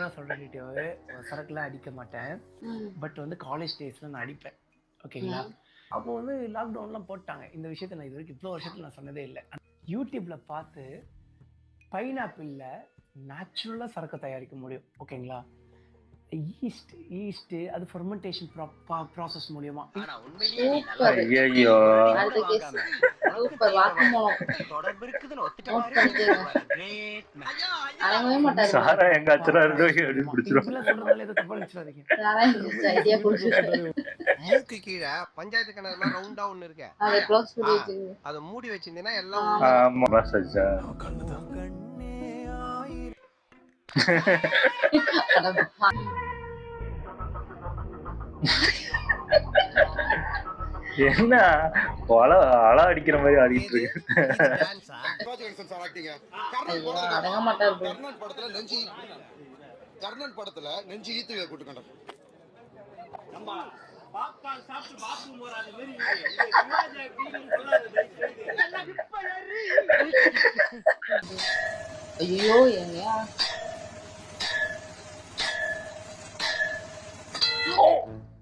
ஓப்பனாக சொல்கிறேன் டீட்டெயிலாகவே சரக்குலாம் அடிக்க மாட்டேன். பட் வந்து காலேஜ் டேஸில் நான் அடிப்பேன். ஓகேங்களா? அப்போ வந்து லாக்டவுன்லாம் போட்டாங்க. இந்த விஷயத்தை நான் இது வரைக்கும் இவ்வளோ வருஷத்தில் நான் சொன்னதே இல்லை. யூடியூப்பில் பார்த்து பைனாப்பிளில் நேச்சுரலாக சரக்கு தயாரிக்க முடியும். ஓகேங்களா? ஈஸ்ட் அது ஃபெர்மெண்டேஷன் ப்ராசஸ் மூலியமா. ஐயோ சாரா எங்க அச்சரா மூக்கு கீழே பஞ்சாயத்து கிணறு ரவுண்டா ஒண்ணு இருக்கு, அத மூடி வச்சிருந்தீங்கன்னா எல்லாம் என்ன அழ அடிக்கிற மாதிரி ஆடிட்டு இருக்கு. கர்ணன் படத்துல நெஞ்சு ஈத்து கூட்டுக்கண்ட ஐயோ ஏங்க